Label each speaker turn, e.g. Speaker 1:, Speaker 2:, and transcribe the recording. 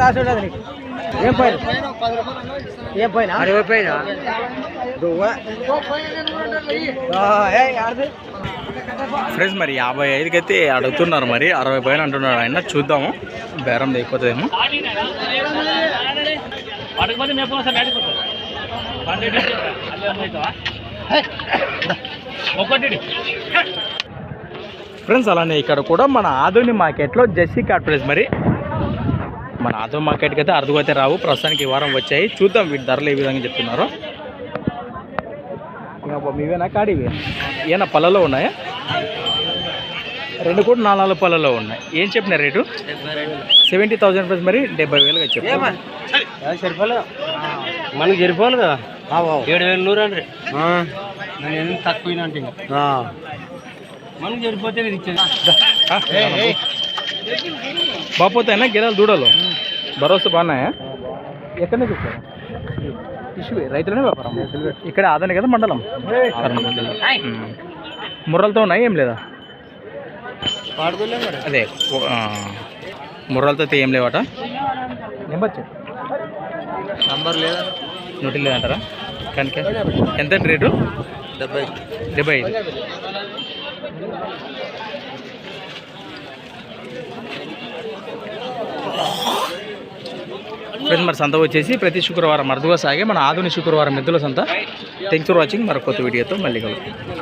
Speaker 1: ఏం పైన ఏం పైన 60 పైన ఫ్రెండ్స్ మరి 55కి అయితే అడుగుతున్నారు, మరి 60 పైన అంటున్నారు ఆయన. చూద్దాము బేరం లేకపోతేమో. ఫ్రెండ్స్ అలానే ఇక్కడ కూడా మన ఆదోని మార్కెట్లో జెర్సీ కాట్ ప్రైస్. మరి మన ఆదోని మార్కెట్కి అయితే అరుదుగా అయితే రావు, ప్రస్తుతానికి ఈ వారం వచ్చాయి. చూద్దాం వీటి ధరలు ఏ విధంగా చెప్తున్నారు. ఇంకా మీవేనా కాడివి ఏనా పళ్ళలో ఉన్నాయా? 2 కూడా 4 పళ్ళలో ఉన్నాయి. ఏం చెప్పిన రేటు? 70,000 రూపీస్. మరి 70,000గా చెప్పారు.
Speaker 2: సరిపోలేదు మనకి, సరిపోలేదు కదా. 7,100 అండి నేను తక్కువ అంటే మనకి సరిపోతే ఇచ్చేది.
Speaker 1: బాపోతాయినా గిరాలు దూడలు భరోసా బాగున్నాయా? ఎక్కడ నుంచి వచ్చారు? టిష్యూ రైతులనే వ్యాపారం ఇక్కడ ఆదాని కదా మండలం. ముర్రలతో ఉన్నాయి ఏం లేదా? అదే ముర్రలతో అయితే ఏం లేవట. నంబర్ లేదా? నోటి లేదంటారా? కనుక ఎంత రేటు? 75. ఫ్రెండ్స్ మరి సంత వచ్చేసి ప్రతి శుక్రవారం అరుదుగా సాగే మన ఆధునిక శుక్రవారం ఎద్దుల సంత. Thanks for watching. మరొక కొత్త వీడియోతో మళ్ళీ కలుగుతాం.